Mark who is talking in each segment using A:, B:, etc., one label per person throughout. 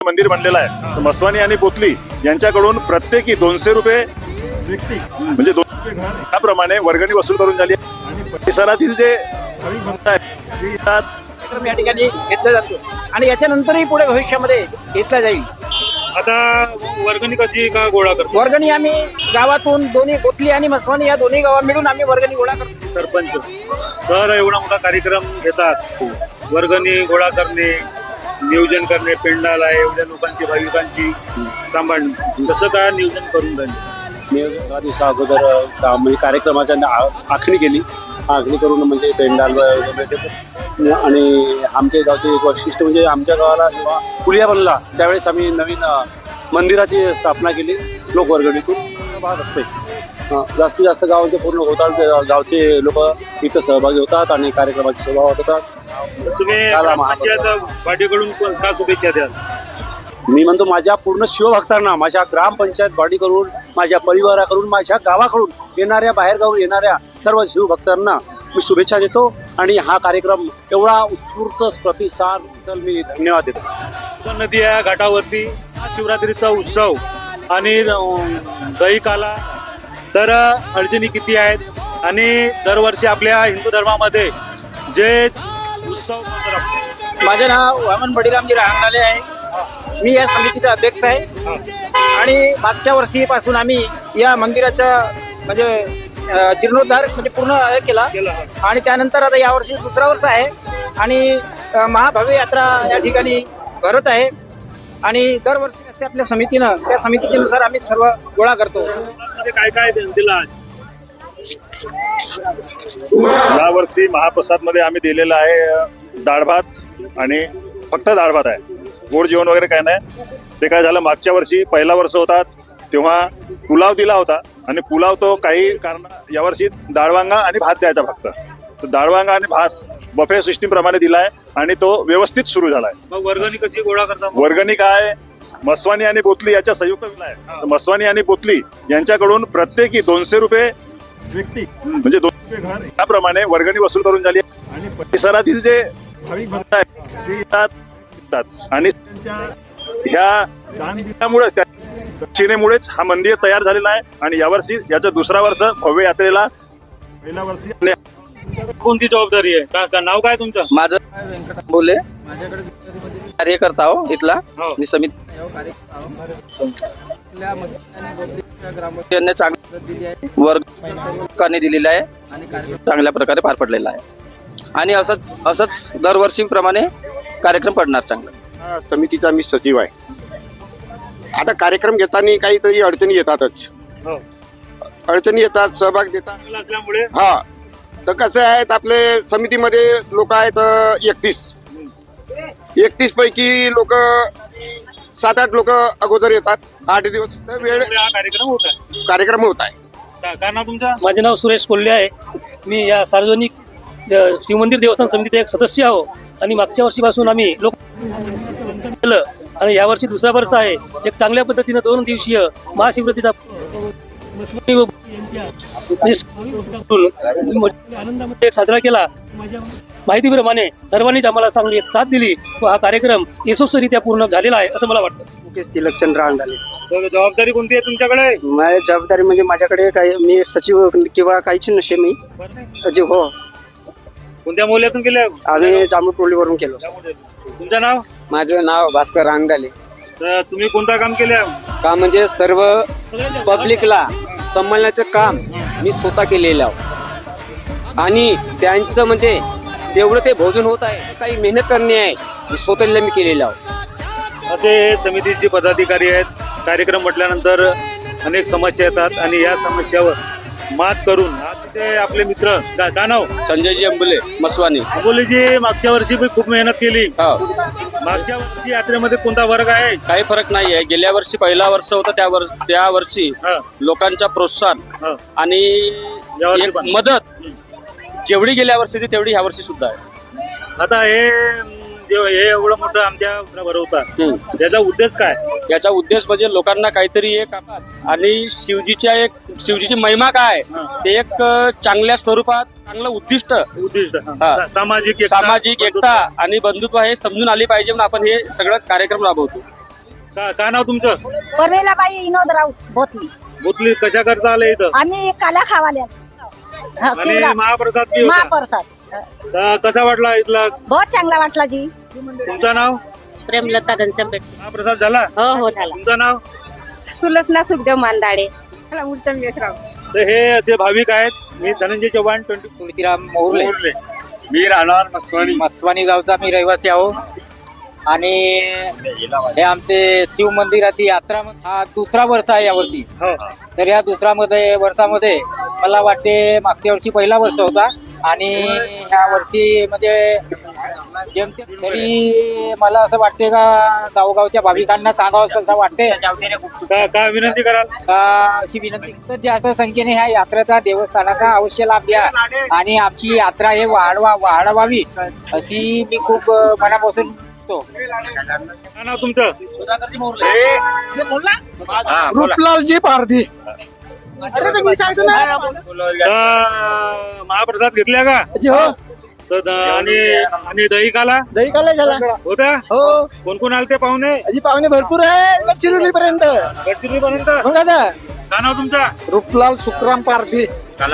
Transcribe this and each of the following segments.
A: मंदिर बनलेलं आहे. मस्वानी आणि पोतली यांच्याकडून प्रत्येकी 200 रुपये म्हणजे 200 त्याप्रमाणे वर्गणी वसूल करून झाली आणि परिसरातील जे भक्त आहेत
B: या ठिकाणी घेतला जातो आणि याच्यानंतरही पुढे भविष्यामध्ये घेतला जाईल.
C: आता वर्गणी कशी का गोळा करतो?
B: वर्गणी आम्ही गावातून दोन्ही गोतली आणि मस्वानी या दोन्ही गावा मिळून आम्ही वर्गणी गोळा करतो.
C: सरपंच सर एवढा मोठा कार्यक्रम घेतात, वर्गणी गोळा करणे, नियोजन करणे, पेंडाला एवढ्या लोकांची भाविकांची सांभाळणे, कसं काय नियोजन करून राहिले?
D: मी 10 दिवसा अगोदर म्हणजे कार्यक्रमाच्या आखणी केली. आखणी करून म्हणजे पेंडाल आणि आमच्या गावचे एक वैशिष्ट्य म्हणजे आमच्या गावाला जेव्हा पुलिया बनला त्यावेळेस आम्ही नवीन मंदिराची स्थापना केली. लोकवर्गणीतून भाग असते. जास्तीत जास्त गावांचे पूर्ण होतात, गावचे लोक इथं सहभागी होतात आणि कार्यक्रमाची शोभा होतात.
C: तुम्ही पार्टीकडून का शुभेच्छा द्याल?
D: मी म्हणतो माझ्या पूर्ण शिवभक्तांना, माझ्या ग्रामपंचायत बॉडीकडून, माझ्या परिवाराकडून, माझ्या गावाकडून येणाऱ्या बाहेरगावून येणाऱ्या सर्व शिवभक्तांना मी शुभेच्छा देतो आणि हा कार्यक्रम एवढा उत्स्फूर्त प्रतिसाद मी धन्यवाद देतो.
C: नदी या घाटावरती शिवरात्रीचा उत्सव आणि दही काला, तर अडचणी किती आहेत आणि दरवर्षी आपल्या हिंदू धर्मामध्ये जे उत्सव
B: माझे नाव वामन बडीरामजी राहंगणाले आहे. मी या समितीचा अध्यक्ष आहे आणि मागच्या वर्षीपासून आम्ही या मंदिराचा म्हणजे जीर्णोद्धार म्हणजे पूर्ण केला आणि त्यानंतर आता यावर्षी दुसरा वर्ष आहे आणि महाभव्य यात्रा या ठिकाणी भरत आहे आणि दरवर्षी असते आपल्या समितीनं, त्या समितीनुसार आम्ही सर्व गोळा करतो.
C: काय काय दिलं आज?
A: यावर्षी महाप्रसाद मध्ये आम्ही दिलेला आहे डाळ भात आणि फक्त डाळ भात आहे. गोड जेवण वगैरे काय नाही. ते काय झालं, मागच्या वर्षी पहिला वर्ष होता तेव्हा पुलाव दिला होता आणि पुलाव तो काही कारण यावर्षी डाळवांगा आणि भात द्यायचा फक्त. तर डाळवांगा आणि भात बफे सिस्टीम प्रमाणे दिलाय आणि तो व्यवस्थित सुरू झालाय.
C: मग वर्गणी कशी गोळा करता?
A: वर्गणी काय, मस्वानी आणि पोतली याच्या संयुक्त विला आहे. मस्वानी आणि पोतली यांच्याकडून प्रत्येकी 200 रुपये म्हणजे 200 त्याप्रमाणे वर्गणी वसूल करून झाली आणि परिसरातील जे भक्त आहेत ते येतात आणि ह्या दानमुळेच त्या दक्षिणेमुळेच हा मंदिर तयार झालेला आहे आणि यावर्षी याचं दुसरा वर्ष भव्य यात्रेला पहिल्या वर्षी.
C: कोणती जबाबदारी आहे? का नाव काय तुमचं?
E: माझं व्यंकट बोले, माझ्याकडे कार्यकर्ता हो इथला. मी समिती वर्गाने दिलेला आहे आणि चांगल्या प्रकारे पार पडलेला आहे आणि असंच दरवर्षीप्रमाणे कार्यक्रम पडणार चांगला.
F: समितीचा मी सचिव आहे. आता कार्यक्रम घेताना काहीतरी अडचणी येतातच. अडचणी येतात, सहभाग देतात
C: असल्यामुळे.
F: हा, तर कसं आहे, आपले समितीमध्ये लोक आहेत 31 पैकी लोक 7-8 लोक अगोदर येतात. 8 दिवस वेळ
C: हा
F: कार्यक्रम होत आहे.
C: काय नाव तुमचं?
G: माझे नाव सुरेश कोल्हे आहे. मी या सार्वजनिक शिवमंदिर देवस्थान समितीचा एक सदस्य आहो आणि मागच्या वर्षीपासून आम्ही लोक केलं आणि यावर्षी दुसरा वर्ष आहे. एक चांगल्या पद्धतीनं 2 दिवसीय महाशिवरात्रीचा आनंदामध्ये साजरा केला. माहितीप्रमाणे सर्वांनीच आम्हाला चांगली एक साथ दिली व हा कार्यक्रम यशस्वीरित्या पूर्ण झालेला आहे असं मला वाटतं.
B: तिलकचंद राहंगणाले.
C: जबाबदारी कोणती आहे तुमच्याकडे?
B: माझी जबाबदारी म्हणजे माझ्याकडे काही मी सचिव किंवा काहीच नसे. मी सचिव हो.
C: कोणत्या मोहल्ल्यातून केल्या?
B: आम्ही जांभूळटोलीवरून केलो.
C: तुमचं नाव?
B: माझं नाव भास्कर रांगडाले.
C: तर तुम्ही कोणतं काम केलं?
B: काम म्हणजे सर्व पब्लिकला सांभाळण्याचं काम मी स्वतः केलेलं आहे आणि त्यांचं म्हणजे तेवढं ते भोजन होत आहे, काही मेहनत करणे आहे, स्वतःला मी केलेलं आहे.
C: असे समितीचे पदाधिकारी आहेत. कार्यक्रम म्हटल्यानंतर अनेक समस्या येतात आणि या समस्यावर मात करून ते आपले मित्र काय नाव?
D: संजयजी अंबुले, मस्वानी.
C: अंबुलेजी मागच्या वर्षी खूप मेहनत केली. मागच्या वर्षी यात्रेमध्ये कोणता वर्ग आहे?
D: काही फरक नाही आहे. गेल्या वर्षी पहिला वर्ष होता, त्या वर्षी लोकांचा प्रोत्साहन आणि एक मदत जेवढी गेल्या वर्षी होती तेवढी ह्या वर्षी सुद्धा आहे.
C: आता हे एवढं मोठं आमच्या भरवतात, त्याचा उद्देश काय?
D: याचा उद्देश म्हणजे लोकांना काहीतरी एक आणि शिवजीची महिमा काय ते एक चांगल्या स्वरूपात चांगलं उद्दिष्ट सामाजिक एकता आणि बंधुत्व हे समजून आली पाहिजे म्हणून आपण हे सगळं कार्यक्रम राबवतो.
C: का नाव तुमचं?
H: परमेलाबाई विनोद राऊत बोथली.
C: भोतली कशा करता आले इथं?
H: आम्ही काला खावाल्या
C: आणि महाप्रसाद बी होता.
H: महाप्रसाद
C: तर कसा वाटला इथला?
H: बहुत चांगला वाटला जी.
C: तुमचं नाव?
H: प्रेमलता घनश्याम पेट.
C: महाप्रसाद झाला?
H: हो हो झाला.
C: तुमचं नाव?
H: सुलसना सुखदेव मांदाडे. उत्तम यशराव.
C: तर हे असे भाविक आहेत. मी धनंजय चव्हाण,
B: तुळशीराम मोहरले.
D: मी राहणार मस्वानी.
B: मस्वानी गावचा मी रहिवासी आहो. आणि हे आमचे शिव मंदिराची यात्रा हा दुसरा वर्ष आहे यावर्षी.
C: हो.
B: तर या दुसऱ्या वर्षामध्ये मला वाटते मागच्या वर्षी पहिला वर्ष होता आणि ह्या वर्षी म्हणजे जेमतेम तरी मला असं वाटते का गावगावच्या भाविकांना सांगावं असं वाटते
C: काय विनंती कराल?
B: अशी विनंती तर जास्त संख्येने ह्या यात्रेचा देवस्थानाचा अवश्य लाभ घ्या आणि आमची यात्रा हे वाढवावी अशी मी खूप मनापासून
C: काय नाव तुमचं?
F: रूपलालजी पारधी.
C: महाप्रसाद घेतल्या का? तर आणि दही काला
F: झाला
C: होता?
F: हो.
C: कोण कोण आलते पाहुणे?
F: अजी पाहुणे भरपूर आहे गडचिरोली पर्यंत.
C: गडचिरोलीपर्यंत.
F: मग आता
C: काय नाव तुमचा?
F: रूपलाल सुखराम पारधी.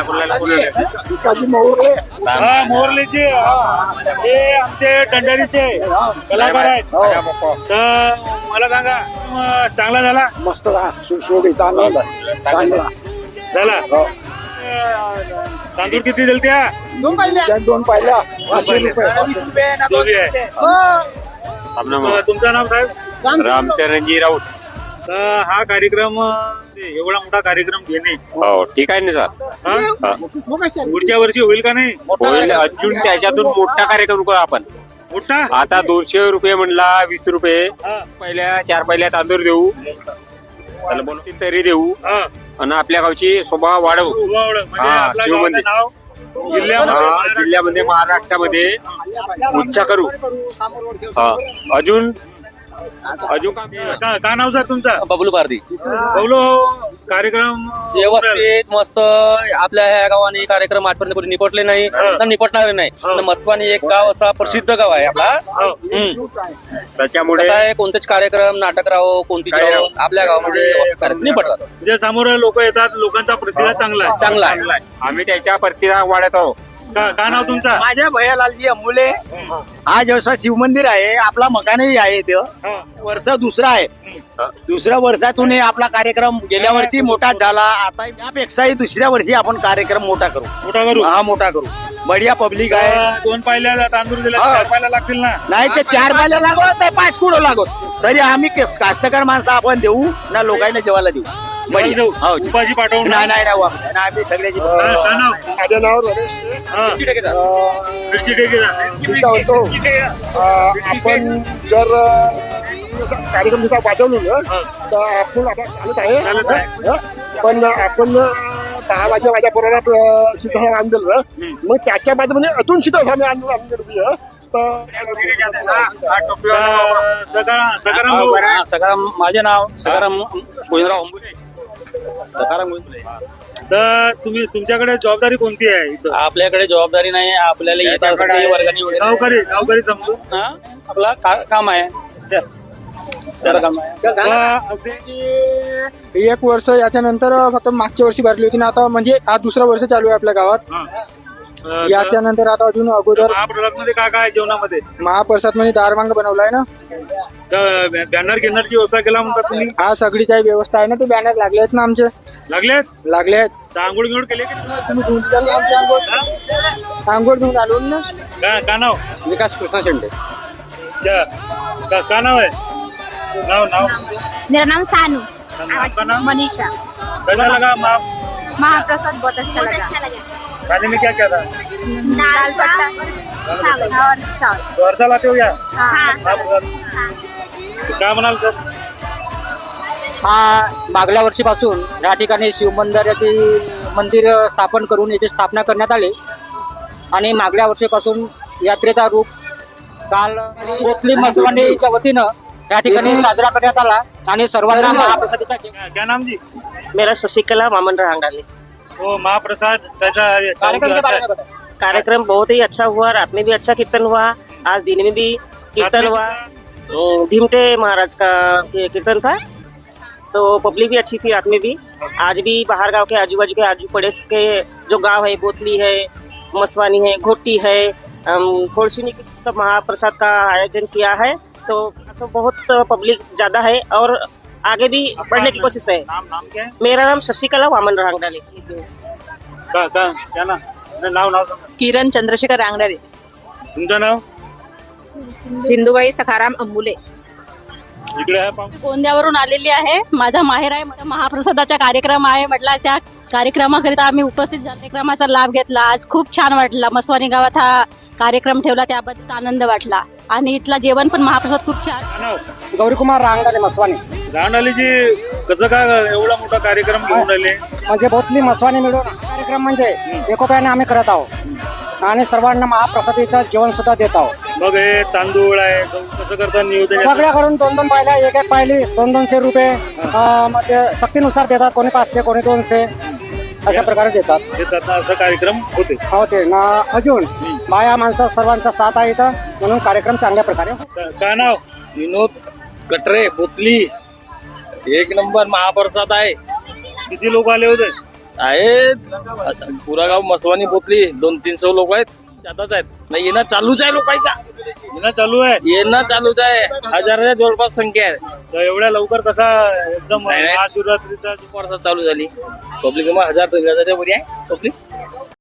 C: हा मोरलीचे हे आमचे टंडारीचे कलाकार आहेत. तर मला सांगा चांगला झाला?
F: मस्त सुशोभित आनंद
C: झाला. तांदूळ किती दिल त्या?
F: 2 पाहिल्या 500 रुपये.
C: दोघी आहे. तुमचं नाव साहेब?
D: रामचरणजी राऊत.
C: तर हा कार्यक्रम एवढा मोठा कार्यक्रम घेणे
D: हो ठीक आहे ना सर.
C: हा? पुढच्या वर्षी होईल का नाही?
D: होईल. अजून त्याच्यातून मोठा कार्यक्रम करू आपण.
C: मोठा?
D: आता 200 रुपये म्हणला 20 रुपये
C: हा.
D: पहिल्या 4 पहिल्या तांदूळ देऊ. त्याला बोलतील तरी देऊ
C: हा.
D: आणि आपल्या गावची शोभा वाढवू.
C: म्हणजे
D: हा,
C: आपल्या
D: शिवमंदिर.
C: गावाचं नाव जिल्ह्यामध्ये
D: जिल्ह्यामध्ये महाराष्ट्रामध्ये उच्च करू. हा. अजून
C: का नाव सर तुमचं?
E: बबलू पारधी.
C: बोलो कार्यक्रम
E: व्यवस्थित मस्त आपल्या ह्या गावाने कार्यक्रम आजपर्यंत कोणी निपटले नाही तर निपटणार नाही. तर मस्वानी एक गाव असा प्रसिद्ध गाव आहे आपला.
D: त्याच्यामुळे
E: कसं आहे कोणतेच कार्यक्रम नाटक राहो कोणती राहो आपल्या गावामध्ये व्यवस्थित कार्यक्रम निपटतात.
C: म्हणजे समोर लोक येतात, लोकांचा प्रतिसाद चांगला आहे.
E: चांगला आहे.
D: आम्ही त्याच्या प्रतिसाद वाढत आहोत.
C: का नाव तुमचं?
B: माझ्या भैयालालजी अंबुले. हा जसा शिवमंदिर आहे आपला मकानही आहे ते वर्ष दुसरा आहे. दुसऱ्या वर्षातून हे आपला कार्यक्रम गेल्या वर्षी मोठा झाला. आता यापेक्षाही दुसऱ्या वर्षी आपण कार्यक्रम मोठा करू. हा मोठा करू. बढिया पब्लिक आहे.
C: 2 पायल्या तांदूळ दिले,
B: हा.
C: 4 पायल्या लागतील ना?
B: नाही ते 4 पायल्या लागत नाही 5 किलो लागत तरी आम्ही कास्तकार माणसं आपण देऊ ना लोकांना जेवायला देऊ. बढिया. हो.
C: उपाशी पाठवून
B: नाही नाही नाही वापस. नाही, आम्ही सगळ्याची
C: काय नाव?
F: माझं नाव रमेश.
C: मिरची टेकेचा.
F: मी काय म्हणतो आपण जर कार्यक्रम जसा वाजवलो ना तर आपण आता चालत आहे.
C: चालत आहे.
F: हं? पण आपण 10 माझ्या पोराला शीतळ आणलं ना मग त्याच्या बाद म्हणजे अजून शीतळ आम्ही आणून दिलं.
C: सकाराम भाऊ.
E: सकाराम माझे नाव सकाराम गोविंदराव अंबुले. सकाराम गोविंदराव.
C: तर तुमच्याकडे जबाबदारी कोणती आहे इथं?
E: आपल्याकडे जबाबदारी नाही आपल्याला येत असते वर्गणी वगैरे
C: गावकरी समजू.
E: हा, आपला काम आहे. काम आहे.
F: 1 वर्ष याच्यानंतर फक्त मागच्या वर्षी भरली होती ना आता म्हणजे हा दुसरा वर्ष चालू आहे आपल्या गावात. याच्यानंतर आता अजून अगोदर
C: महाप्रसाद मध्ये काय काय जेवणामध्ये?
F: महाप्रसाद मध्ये दारवांग बनवलाय ना.
C: बॅनर घेण्याची व्यवस्था केला म्हणतात तुम्ही?
F: हा सगळीच आहे व्यवस्था आहे ना. ते बॅनर लागले आहेत ना आमचे. लागले आहेत.
C: आंघोळ गिंघोळ केले की
F: तुम्ही धुवून चालले आमची आंघोळ धुवून आलो ना.
C: का नाव?
E: विकास कृष्णा शेंडे.
C: का नाव आहे? नाव
H: मेरा नाम सानू.
C: आपका नाम?
H: मनीषा.
C: कैसा लगा
H: महाप्रसाद बहुत अच्छा लगा.
C: खाने में क्या क्या था?
H: दाल बट्टा और चावल.
C: वर्षा लाते हो या?
H: हाँ.
C: काय म्हणाल सर?
B: हा मागल्या वर्षीपासून या ठिकाणी शिवमंदिराचे मंदिर स्थापन करून याची स्थापना करण्यात आली आणि मागल्या वर्षीपासून यात्रेचा रूप काल गोतली मस्वानीच्या वतीनं या ठिकाणी साजरा करण्यात आला आणि सर्वांना महाप्रसादीचा
C: क्या नाम जी?
G: मेरा शशिकला मामन रहांगाले.
C: वो महाप्रसाद कैसा
B: कार्यक्रम के बारे में बताओ.
G: कार्यक्रम बहुत ही अच्छा हुआ. रात में भी अच्छा कीर्तन हुआ. आज दिन में भी कीर्तन हुआ.
I: भीमटे महाराज का कीर्तन था, तो पब्लिक भी अच्छी थी, रात में भी। आज भी बाहर गांव के आजू बाजू के आजू पड़ोस के जो गांव है, बोतली है, मसवानी है, घोटी है, खोड़सुनी सब महाप्रसाद का आयोजन किया है। तो सब बहुत पब्लिक ज्यादा है और आगे भी बढ़ने की कोशिश है।
C: नाम क्या है?
I: मेरा नाम शशिकला वामन रांगडाले।
C: क्या नाव सांगा.
H: किरण चंद्रशेखर रांगडाले.
C: तुमचं नाव?
H: सिंधुबाई सखाराम अंबुले.
C: इकडे आहे पाहू.
J: गोंद्यावरून आलेली आहे. माझा माहेर आहे. महाप्रसादाचा कार्यक्रम आहे म्हटला, त्या कार्यक्रमाकरिता आम्ही उपस्थित झालो. कार्यक्रमाचा लाभ घेतला. आज खूप छान वाटला. मसवानी गावात हा कार्यक्रम ठेवला, त्याबद्दल आनंद वाटला. आणि इथला जेवण पण महाप्रसाद खूप छान.
C: काय नाव?
F: गौरीकुमार रांगडाले मसवानी.
C: रांडालीजी कसं काय एवढा मोठा कार्यक्रम घेऊन राहिले?
F: म्हणजे बोथली मसवानी मिळून कार्यक्रम म्हणजे एकोप्याने आम्ही करत आहोत आणि सर्वांना महाप्रसादीचं जेवण सुद्धा देत आहोत.
C: मग हे तांदूळ आहे, गहू कसं करता नियोजन?
F: सगळ्या करून 2-2 पायल्या, एक पायली 200-200 रुपये म्हणजे सक्तीनुसार देतात. कोणी 500, कोणी 200 अशा प्रकारे देतात.
C: असा कार्यक्रम होते.
F: होते ना. अजून बाया माणसं सर्वांचा साथ आहे इथं, म्हणून कार्यक्रम चांगल्या प्रकारे होतो.
C: काय नाव?
E: विनोद कटरे, बोतली. एक नंबर महाप्रसाद आहे.
C: किती लोक आले होते?
E: आहेत पुरा गाव मसवानी बोतली 200-300 लोक आहेत. जाताच आहेत. नाही येणं चालूच आहे लोकांचा.
C: येणं चालू आहे.
E: येणं चालूच आहे. हजाराच्या जवळपास संख्या आहे.
C: तर एवढ्या लवकर कसा एकदम
E: नाही.
C: महाशिवरात्रीचा
E: प्रसाद चालू झाली. पब्लिक मग 1000-2000 वरी आहे पब्लिक.